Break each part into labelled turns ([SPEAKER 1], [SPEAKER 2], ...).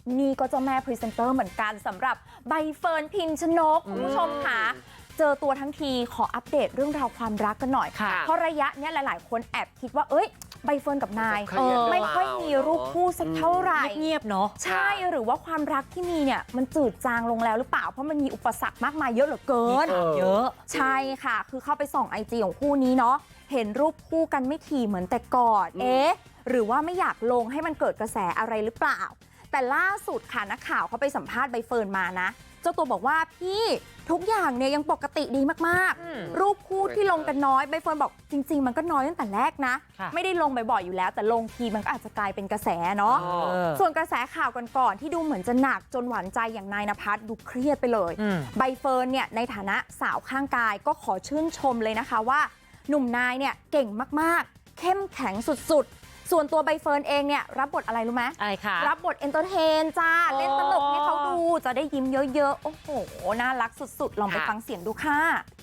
[SPEAKER 1] นี่ก็เจ้าแม่พรีเซนเตอร์เหมือนกันสำหรับใบเฟิร์นพิมชนกคุณผู้ชมค่ะเจอตัวทั้งทีขออัปเดตเรื่องราวความรักกันหน่อยค่ะเพราะระยะเนี้ยหลายๆคนแอบคิดว่าเอ้ยใบเฟิร์นกับนายไม่ค่อยมีรูปคู่สักเท่าไหร่
[SPEAKER 2] เงียบเนาะ
[SPEAKER 1] ใช่หรือว่าความรักที่มีเนี่ยมันจืดจางลงแล้วหรือเปล่าเพราะมันมีอุปสรรคมากมายเยอะเหลือเกิน
[SPEAKER 2] เยอะ
[SPEAKER 1] ใช่ค่ะคือเข้าไปส่องไอจีของคู่นี้เนาะเห็นรูปคู่กันไม่ถี่เหมือนแต่ก่อนหรือว่าไม่อยากลงให้มันเกิดกระแสอะไรหรือเปล่าแต่ล่าสุดค่ะนักข่าวเขาไปสัมภาษณ์ใบเฟิร์นมานะเจ้าตัวบอกว่าพี่ทุกอย่างเนี่ยยังปกติดีมากๆรูปคู่ที่ลงกันน้อยใบเฟิร์นบอกจริงๆมันก็น้อยตั้งแต่แรกนะไม่ได้ลงบ่อยๆอยู่แล้วแต่ลงทีมันก็อาจจะกลายเป็นกระแสเนาะส่วนกระแสข่าวก่อนๆที่ดูเหมือนจะหนักจนหวานใจอย่างนายณภัสดูเครียดไปเลยใบเฟิร์นเนี่ยในฐานะสาวข้างกายก็ขอชื่นชมเลยนะคะว่าหนุ่มนายเนี่ยเก่งมากๆเข้มแข็งสุดๆส่วนตัวใบเฟิร์นเองเนี่ยรับบทอะไรรู้ไหม
[SPEAKER 2] อะไรคะ
[SPEAKER 1] รับบทเอนเตอร์เทนจ้าเล่นตลกให้เขาดูจะได้ยิ้มเยอะๆโอ้โหน่ารักสุดๆลองไปฟังเสียงดูค่ะ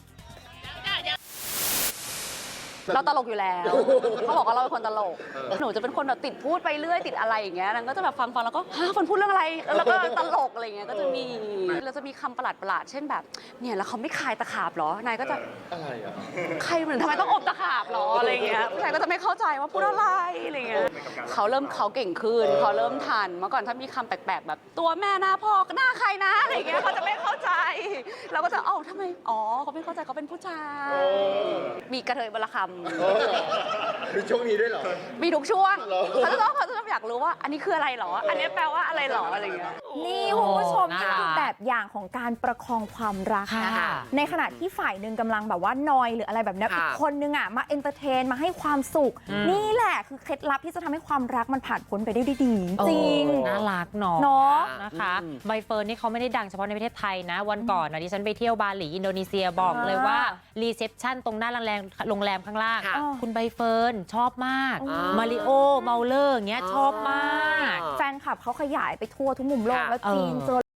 [SPEAKER 3] เราตลกอยู่แล้วเขาบอกว่าเราเป็นคนตลกหนูจะเป็นคนแบบติดพูดไปเรื่อยติดอะไรอย่างเงี้ยนางก็จะแบบฟังแล้วก็ฮะคนพูดเรื่องอะไรแล้วก็ตลกอะไรเงี้ยก็จะมีเราจะมีคำประหลาดเช่นแบบเนี่ยแล้วเขาไม่คายตะขาบหรอนายก็จะ
[SPEAKER 4] อะไรอ่ะ
[SPEAKER 3] ใครเหมือนทำไมต้องอบตะขาบหรออะไรเงี้ยผู้ชายก็จะไม่เข้าใจว่าพูดอะไรอะไรเงี้ยเขาเก่งขึ้นเขาเริ่มทันเมื่อก่อนถ้ามีคำแปลกๆแบบตัวแม่หน้าพ่อหน้าใครนะอะไรเงี้ยเขาจะไม่เข้าใจเราก็จะเอ้าทำไมอ๋อเขาไม่เข้าใจเขาเป็นผู้ชายมีกระเทยบละคำ
[SPEAKER 4] มีช่วงนี้ด้วยเหรอ
[SPEAKER 3] มีทุกช่วงเขาจะต้องอยากรู้ว่าอันนี้คืออะไรหรออันนี้แปลว่าอะไรหรออะไรอย่างเงี้ย
[SPEAKER 1] นี่คุณผู้ชมนี่คือแบบอย่างของการประคองความรักนะคะในขณะที่ฝ่ายหนึ่งกำลังแบบว่านอยหรืออะไรแบบนี้อีกคนนึงอ่ะมาเอนเตอร์เทนมาให้ความสุขนี่แหละคือเคล็ดลับที่จะทำให้ความรักมันผ่านพ้นไปได้ดีจริง
[SPEAKER 2] น่ารักเนาะนะคะใบเฟิร์นนี่เขาไม่ได้ดังเฉพาะในประเทศไทยนะวันก่อนนะดิฉันไปเที่ยวบาหลีอินโดนีเซียบอกเลยว่ารีเซพชันตรงหน้าโรงแรมข้างล่างคุณใบเฟิร์นชอบมากมาริโอเมาเลอร์อย่างเงี้ยชอบมาก
[SPEAKER 1] แฟนคลับเขาขยายไปทั่วทุกมุมโลกแล้วจีนเจอ